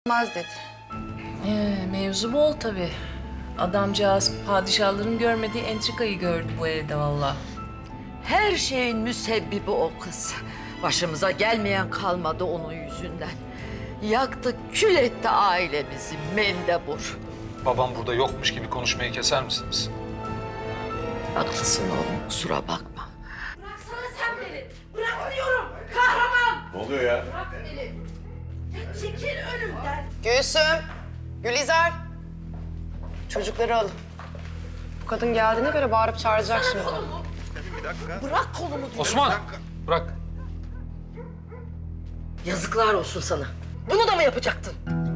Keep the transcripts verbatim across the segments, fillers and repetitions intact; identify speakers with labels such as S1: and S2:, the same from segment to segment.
S1: olmaz dedi.
S2: Ee, mevzu bol tabii. Adamcağız padişahların görmediği entrikayı gördü bu evde vallahi.
S3: Her şeyin müsebbibi o kız. Başımıza gelmeyen kalmadı onun yüzünden. Yaktı, kül etti ailemizi mendebur.
S4: Babam burada yokmuş gibi konuşmayı keser misiniz?
S3: Haklısın oğlum, kusura bakma.
S5: Bıraksana sen beni. Bırak diyorum. Kahraman.
S6: Ne oluyor ya?
S5: Bırak beni. Ya çekil önümden.
S1: Gülsüm, Gülizar. Çocukları alın. Bu kadın geldiğine göre bağırıp çağıracak şimdi.
S5: Kolumu.
S3: Bırak kolumu diyorum.
S4: Osman! Bırak.
S3: Yazıklar olsun sana. Bunu da mı yapacaktın?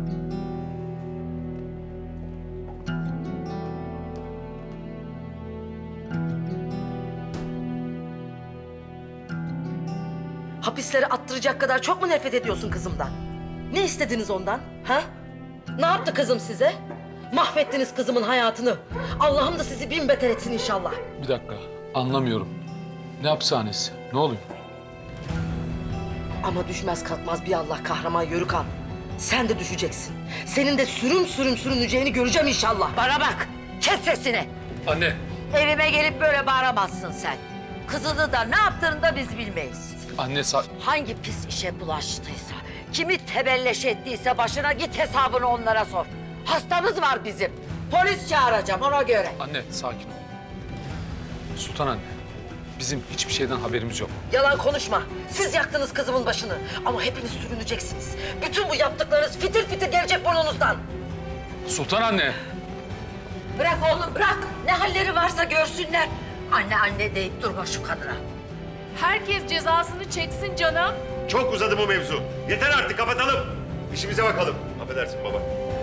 S3: Hapislere attıracak kadar çok mu nefret ediyorsun kızımdan? Ne istediniz ondan? Ha? Ne yaptı kızım size? Mahvettiniz kızımın hayatını. Allah'ım da sizi bin beter etsin inşallah.
S4: Bir dakika. Anlamıyorum. Ne hapishanesi? Ne oluyor?
S3: Ama düşmez kalkmaz bir Allah kahraman Yörükan. Sen de düşeceksin. Senin de sürüm sürüm sürüneceğini göreceğim inşallah. Bana bak, kes sesini.
S4: Anne!
S3: Evime gelip böyle bağıramazsın sen. Kızını da ne yaptığını da biz bilmeyiz.
S4: Anne sa...
S3: Hangi pis işe bulaştıysa, kimi tebelleş ettiyse başına git hesabını onlara sor. Hastamız var bizim. Polis çağıracağım ona göre.
S4: Anne sakin ol. Sultan anne. Bizim hiçbir şeyden haberimiz yok.
S3: Yalan konuşma. Siz yaktınız kızımın başını. Ama hepiniz sürüneceksiniz. Bütün bu yaptıklarınız fitil fitil gelecek burnunuzdan.
S4: Sultan anne!
S3: Bırak oğlum bırak. Ne halleri varsa görsünler. Anne anne deyip durma şu kadına.
S2: Herkes cezasını çeksin canım.
S6: Çok uzadı bu mevzu. Yeter artık kapatalım. İşimize bakalım. Affedersin baba.